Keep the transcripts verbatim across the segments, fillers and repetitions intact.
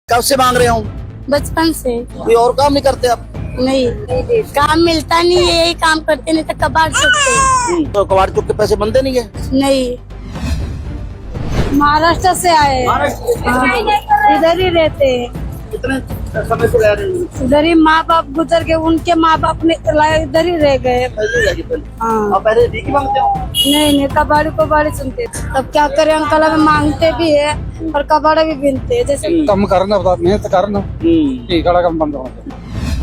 कब से मांग रहे हो? बचपन से। कोई और काम नहीं करते आप? नहीं, काम मिलता नहीं है, यही काम करते, नहीं तो कबाड़ चुकते। तो कबाड़ चुक के पैसे बनते नहीं है? नहीं, महाराष्ट्र से आए, इधर ही रहते हैं। कितने समय से रह रहे हैं? इधर ही माँ बाप गुजर गए, उनके माँ बाप ने इधर ही रह गए। पहले जाके पहले। हाँ। आप पहले भीख मांगते हो? नहीं नहीं, कबाड़ी कबाड़ी सुनते। तब क्या करें अंकल, हमें मांगते भी है और कबाड़ा भी बिनते है। जैसे ਕੰਮ ਕਰਨ ਆਪਦਾ ਮਿਹਨਤ ਕਰਨ ਠੀਕ ਵਾਲਾ ਕੰਮ ਬੰਦ ਹੋਣਾ ਚਾਹੀਦਾ।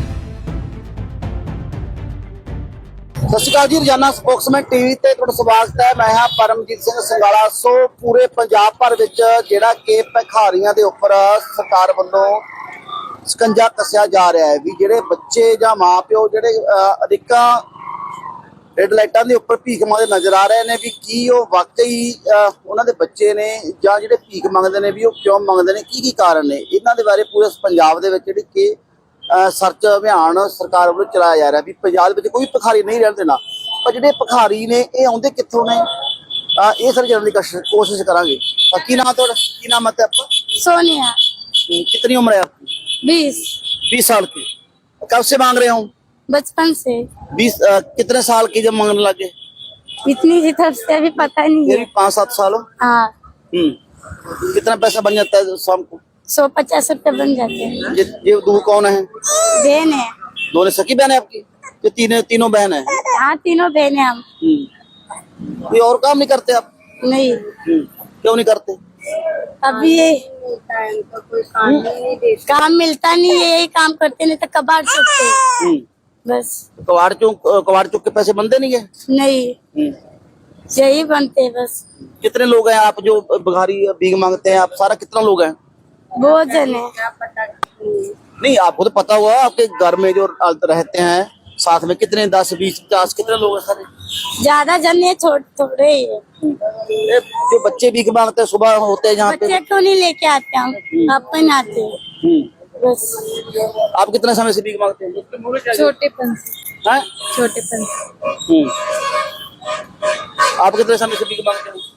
ਸਤਿ ਸ਼੍ਰੀ ਅਕਾਲ ਜੀ, ਰੋਜ਼ਾਨਾ ਸਪੋਕਸਮੈਨ ਟੀਵੀ ਤੇ ਤੁਹਾਡਾ ਸਵਾਗਤ ਹੈ। ਮੈਂ ਹਾਂ ਪਰਮਜੀਤ ਸਿੰਘ ਸੰਗਾਲਾ। ਸੋ ਪੂਰੇ ਪੰਜਾਬ ਭਰ ਵਿੱਚ ਜਿਹੜਾ ਕਿ ਭਿਖਾਰੀਆਂ ਦੇ ਉੱਪਰ ਸਰਕਾਰ ਵੱਲੋਂ ਸਕੰਜਾ ਕੱਸਿਆ ਜਾ ਰਿਹਾ ਹੈ ਵੀ ਜਿਹੜੇ ਬੱਚੇ ਜਾਂ ਮਾਂ ਪਿਓ ਜਿਹੜੇ ਅਧਿਕਾਂ ਰੈੱਡ ਲਾਈਟਾਂ ਦੇ ਉੱਪਰ ਭੀਖ ਮੰਗਦੇ ਨਜ਼ਰ ਆ ਰਹੇ ਨੇ, ਵੀ ਕੀ ਉਹ ਵਾਕਈ ਉਹਨਾਂ ਦੇ ਬੱਚੇ ਨੇ ਜਾਂ ਜਿਹੜੇ ਭੀਖ ਮੰਗਦੇ ਨੇ ਵੀ ਉਹ ਕਿਉਂ ਮੰਗਦੇ ਨੇ, ਕੀ ਕੀ ਕਾਰਨ ਨੇ, ਇਹਨਾਂ ਦੇ ਬਾਰੇ ਪੂਰੇ ਪੰਜਾਬ ਦੇ ਵਿੱਚ ਜਿਹੜੀ ਕਿ ਸਰਚ ਅਭਿਆਨ ਸਰਕਾਰ ਵੱਲੋਂ ਚਲਾਇਆ ਜਾ ਰਿਹਾ ਵੀ ਪੰਜਾਬ ਵਿੱਚ ਕੋਈ ਭਿਖਾਰੀ ਨਹੀਂ ਰਹਿਣ ਦੇਣਾ। ਪਰ ਜਿਹੜੇ ਭਿਖਾਰੀ ਨੇ ਇਹ ਆਉਂਦੇ ਕਿੱਥੋਂ ਨੇ, ਇਹ ਸਾਰੀ ਜਾਣਨ ਦੀ ਕੋਸ਼ਿਸ਼ ਕਰਾਂਗੇ। ਕੀ ਨਾਮ ਤੁਹਾਡਾ, ਕੀ ਨਾਮ है आपका? सोनिया। कितनी उम्र है आपकी? बीस। बीस साल की। कब से मांग रहे हो? बचपन से। बीस कितने साल की जब मांगने लगे? इतनी ही तरफ से अभी पता नहीं ये है। भी पाँच सात साल हो। हाँ, हम्म कितना पैसा बन जाता है शाम को? सौ पचास रुपए बन जाते हैं। ये ये दो कौन है? बहन है। दोनों सखी बहन है आपकी? ये तीनों तीनों बहन है? हाँ, तीनों बहन है हम। हम्म कोई और काम नहीं करते आप? नहीं, क्यों नहीं करते? अभी ये काम मिलता नहीं है, यही काम करते, नहीं तो कबाड़ चुकते। बस। कबाड़ चुक कबाड़ चुक के पैसे बनते नहीं है? नहीं, यही बनते हैं बस। कितने लोग हैं आप जो भिखारी भीख मांगते हैं? आप सारा कितना लोग हैं? बहुत जन है। नहीं, आपको तो पता हुआ आपके घर में जो रहते हैं साथ में कितने, दस बीस पचास कितने लोग हैं सारे? ज्यादा जन है, छोटे थोड़े ही है। ये जो बच्चे भीख मांगते हैं सुबह होते हैं जहाँ पे, बच्चे क्यों नहीं लेके आते हम, अपन आते हैं बस। आप कितने समय से भीख मांगते हैं? छोटेपन से। हैं? छोटेपन से। आप कितने समय से भीख मांगते हैं?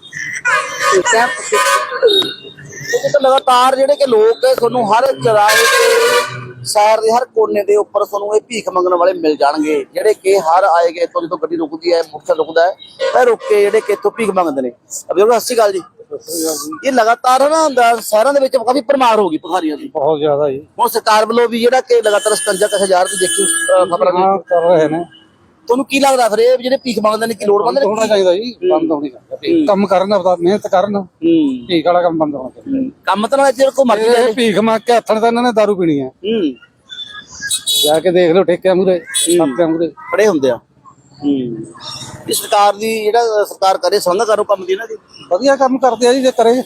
तो लगातार ਜਿਹੜੇ ਕਿ ਲੋਕ ਤੁਹਾਨੂੰ ਹਰ ਚਰਾਹੇ ਤੇ ਸ਼ਹਿਰ ਦੇ ਹਰ ਕੋਨੇ ਦੇ ਉੱਪਰ ਤੁਹਾਨੂੰ ਇਹ ਭੀਖ ਮੰਗਣ ਵਾਲੇ ਮਿਲ ਜਾਣਗੇ, ਜਿਹੜੇ ਕਿ ਹਰ ਆਏਗੇ ਤੋਂ ਜਦੋਂ ਗੱਡੀ ਰੁਕਦੀ ਹੈ, ਮੁਕਤ ਰੁਕਦਾ ਹੈ ਤਾਂ ਰੁਕ ਕੇ ਜਿਹੜੇ ਕਿ ਇੱਥੋਂ ਭੀਖ ਮੰਗਦੇ ਨੇ। ਅਬੇ ਸਤਿ ਸ਼੍ਰੀ ਅਕਾਲ ਜੀ। ਇਹ ਲਗਾਤਾਰ ਨਾ ਸ਼ਹਿਰਾਂ ਦੇ ਵਿੱਚ ਕਾਫੀ ਭਰਮਾਰ ਹੋ ਗਈ ਭਿਖਾਰੀਆਂ ਦੀ, ਬਹੁਤ ਜ਼ਿਆਦਾ ਜੀ। ਹੁਣ ਸਰਕਾਰ ਵੱਲੋਂ ਵੀ ਜਿਹੜਾ ਕਿ ਲਗਾਤਾਰ ਸਕੰਜਾ ਕੱਸਿਆ ਜਾ ਰਿਹਾ, ਦੇਖੀ ਖਬਰਾਂ ਹਾਂ ਕਰ ਰਹੇ ਨੇ। ਤੁਹਾਨੂੰ ਕੀ ਲੱਗਦਾ ਫਿਰ ਇਹ ਜਿਹੜੇ ਭੀਖ ਮੰਗਦੇ ਨੇ ਕੀ ਲੋੜ ਬੰਦ ਹੋਣਾ ਚਾਹੀਦਾ ਜੀ, ਬੰਦ ਹੋਣੀ ਚਾਹੀਦੀ। ਕੰਮ ਕਰਨ ਆਪਦਾ ਮਿਹਨਤ ਕਰਨ ਠੀਕ ਵਾਲਾ ਕੰਮ ਬੰਦ ਹੋਣਾ ਚਾਹੀਦਾ। ਕੰਮ ਤਾਂ ਨਾਲ ਜਿਹੜੇ ਕੋ ਮਰਜ਼ੀ ਇਹ ਭੀਖ ਮੰਗ ਕੇ ਹੱਥਣ ਤਾਂ ਇਹਨਾਂ ਨੇ ਦਾਰੂ ਪੀਣੀ ਹੈ। ਜਾ ਕੇ ਦੇਖ ਲਓ ਠੇਕਿਆਂ ਮੂਰੇ ਸਾਪਿਆਂ ਮੂਰੇ ਖੜੇ ਹੁੰਦੇ ਆ। ਇਹ ਸਰਕਾਰ ਦੀ ਜਿਹੜਾ ਸਰਕਾਰ ਕਰੇ ਸੰਘ ਕਰੋ ਕੰਮ ਦੀ ਨਾ ਜੀ, ਵਧੀਆ ਕੰਮ ਕਰਦੇ ਆ ਜੀ ਜੇ ਕਰੇ।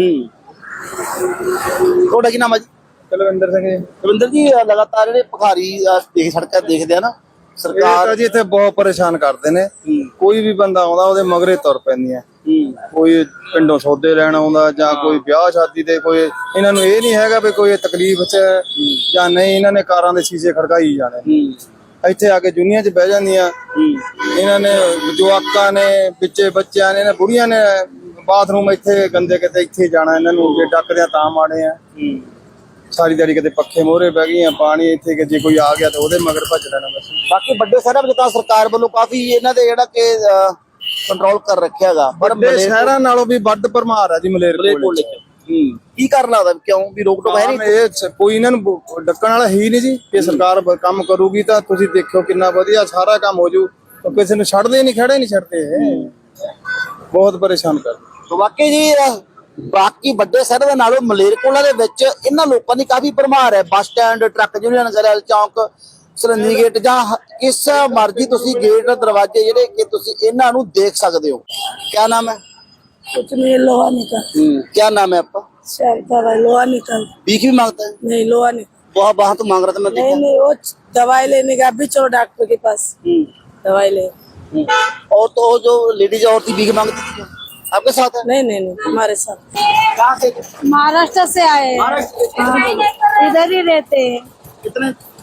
ਤੁਹਾਡਾ ਕੀ ਨਾਮ ਹੈ ਜੀ? ਕੁਲਵਿੰਦਰ ਸਿੰਘ ਜੀ। ਕੁਲਵਿੰਦਰ ਜੀ, ਲਗਾਤਾਰ ਜਿਹੜੇ ਭਿਖਾਰੀ ਦੇਖ ਸੜਕਾਂ ਦੇਖਦੇ ਆ ਨਾ, ਸਰਕਾਰ ਜੀ ਇੱਥੇ ਬਹੁਤ ਪਰੇਸ਼ਾਨ ਕਰਦੇ ਨੇ। ਕੋਈ ਵੀ ਬੰਦਾ ਆਉਂਦਾ ਉਹਦੇ ਮਗਰੇ ਤੁਰ ਪੈਂਦੀਆਂ। ਕੋਈ ਪਿੰਡੋਂ ਸੌਦੇ ਲੈਣ ਆਉਂਦਾ ਜਾਂ ਕੋਈ ਵਿਆਹ ਸ਼ਾਦੀ ਤੇ, ਕੋਈ ਇਹਨਾਂ ਨੂੰ ਇਹ ਨਹੀਂ ਹੈਗਾ ਵੀ ਕੋਈ ਤਕਲੀਫ ਚ ਜਾਂ ਨਹੀਂ, ਇਹਨਾਂ ਨੇ ਕਾਰਾਂ ਦੇ ਸ਼ੀਸ਼ੇ ਖੜਕਾਈ ਜਾਣੇ। ਇੱਥੇ ਆ ਕੇ ਜੁਨੀਆਂ ਚ ਬਹਿ ਜਾਂਦੀਆਂ। ਇਹਨਾਂ ਨੇ ਜਵਾਕਾਂ ਨੇ, ਵਿੱਚੇ ਬੱਚਿਆਂ ਨੇ, ਬੁੜੀਆਂ ਨੇ ਬਾਥਰੂਮ ਇੱਥੇ ਗੰਦੇ ਕਿਤੇ ਇੱਥੇ ਜਾਣਾ। ਇਹਨਾਂ ਨੂੰ ਜੇ ਡੱਕਦਿਆਂ ਤਾਂ ਮਾੜੇ ਆ। ਸਾਰੀ ਦਿਹਾੜੀ ਕਿਤੇ ਪੱਖੇ ਮੋਹਰੇ ਬਹਿ ਗਈਆਂ, ਪਾਣੀ ਇੱਥੇ ਕਿ ਜੇ ਕੋਈ ਆ ਗਿਆ ਤਾਂ ਉਹਦੇ ਮਗਰ ਭੱਜ ਲੈਣਾ ਬਸ। ਬਾਕੀ ਵੱਡੇ ਸ਼ਹਿਰਾਂ ਵਿੱਚ ਤਾਂ ਸਰਕਾਰ ਵੱਲੋਂ ਕਾਫੀ ਇਹਨਾਂ ਦੇ ਜਿਹੜਾ ਕਿ ਕੰਟਰੋਲ ਕਰ ਰੱਖਿਆ ਹੈਗਾ, ਪਰ ਵੱਡੇ ਸ਼ਹਿਰਾਂ ਨਾਲੋਂ ਵੀ ਵੱਧ ਭਰਮਾਰ ਆ ਜੀ ਮਲੇਰਕੋਟਲੇ ਚ। ਕੀ ਕਰਨ ਲੱਗਦਾ, ਕਿਉਂ ਵੀ ਰੋਕ ਟੋਕ ਹੈ ਨਹੀਂ? ਇਹ ਕੋਈ ਇਹਨਾਂ ਨੂੰ ਡੱਕਣ ਵਾਲਾ ਹੀ ਨਹੀਂ ਜੀ। ਕਿ ਸਰਕਾਰ ਕੰਮ ਕਰੂਗੀ ਤਾਂ ਤੁਸੀਂ ਦੇਖਿਓ ਕਿੰਨਾ ਵਧੀਆ ਸਾਰਾ ਕੰਮ ਹੋ ਜੂ। ਕਿਸੇ ਨੂੰ ਛੱਡਦੇ ਨਹੀਂ, ਖੜੇ ਨਹੀਂ ਛੱਡਦੇ, ਬਹੁਤ ਪਰੇਸ਼ਾਨ ਕਰਦੇ। ਵਾਕਈ ਜੀ, ਬਾਕੀ ਵੱਡੇ ਸ਼ਹਿਰਾਂ ਦੇ ਨਾਲੋਂ ਮਲੇਰਕੋਟਲਾ ਦੇ ਵਿੱਚ ਇਹਨਾਂ ਲੋਕਾਂ ਦੀ ਕਾਫੀ ਭਰਮਾਰ ਹੈ। Bus stand, truck union, girl ਚੌਂਕ, ਸਰਹੰਦੀ ਗੇਟ ਜਾਂ ਕਿਸ ਮਰਜ਼ੀ ਤੁਸੀਂ ਗੇਟ ਦਰਵਾਜ਼ੇ ਜਿਹੜੇ ਕਿ ਤੁਸੀਂ ਇਹਨਾਂ ਨੂੰ ਦੇਖ ਸਕਦੇ ਹੋ। क्या नाम है? कुछ नहीं, लोहा निकल। क्या नाम है आपका? दवाई लोहा निकल। भीख भी मांगता है? नहीं, लोहा निकल। वहाँ वहाँ तो मांग रहा था मैं नहीं नहीं, वो दवाई लेने का भी चलो डॉक्टर के पास दवाई ले। और तो जो लेडीज और थी भीख मांगती थी आपके साथ है? नहीं नहीं नहीं, हमारे साथ। कहाँ से? महाराष्ट्र से आए, इधर ही रहते हैं। कितने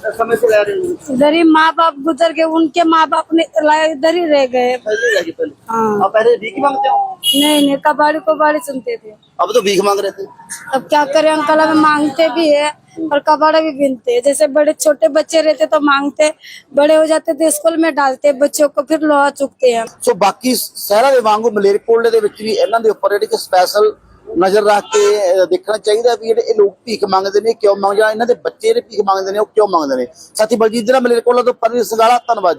समय से रह रहे हो? इधर ही माँ बाप गुजर गए, उनके माँ बाप ने लाए इधर ही रह गए। पहले रह गए पहले। हाँ। आप पहले भीख मांगते हो? नहीं नहीं, कबाड़ी कबाड़ी सुनते थे। अब तो भीख मांग रहे थे। अब क्या करें अंकल, हमें मांगते भी है और कबाड़ा भी बीनते हैं। जैसे बड़े छोटे बच्चे रहते तो मांगते, बड़े हो जाते तो स्कूल में डालते बच्चों को, फिर लोहा चुकते हैं। ਸੋ ਬਾਕੀ ਸ਼ਹਿਰਾਂ ਦੇ ਵਾਂਗੂ ਮਲੇਰਕੋਟਲੇ ਦੇ ਵਿੱਚ ਵੀ ਇਹਨਾਂ ਦੇ ਉੱਪਰ ਜਿਹੜੀ ਕਿ ਸਪੈਸ਼ਲ ਨਜ਼ਰ ਰੱਖ ਕੇ ਅਹ, ਦੇਖਣਾ ਚਾਹੀਦਾ ਵੀ ਜਿਹੜੇ ਇਹ ਲੋਕ ਭੀਖ ਮੰਗਦੇ ਨੇ ਕਿਉਂ ਮੰਗਦੇ, ਜਾਂ ਇਹਨਾਂ ਦੇ ਬੱਚੇ ਜਿਹੜੇ ਭੀਖ ਮੰਗਦੇ ਨੇ ਉਹ ਕਿਉਂ ਮੰਗਦੇ ਨੇ। ਸਾਥੀ ਬਲਜੀਤ ਜਿਹੜਾ ਮਲੇਰਕੋਟਲਾ ਤੋਂ ਪਰਵੀਨ ਸੰਗਾਲਾ, ਧੰਨਵਾਦ।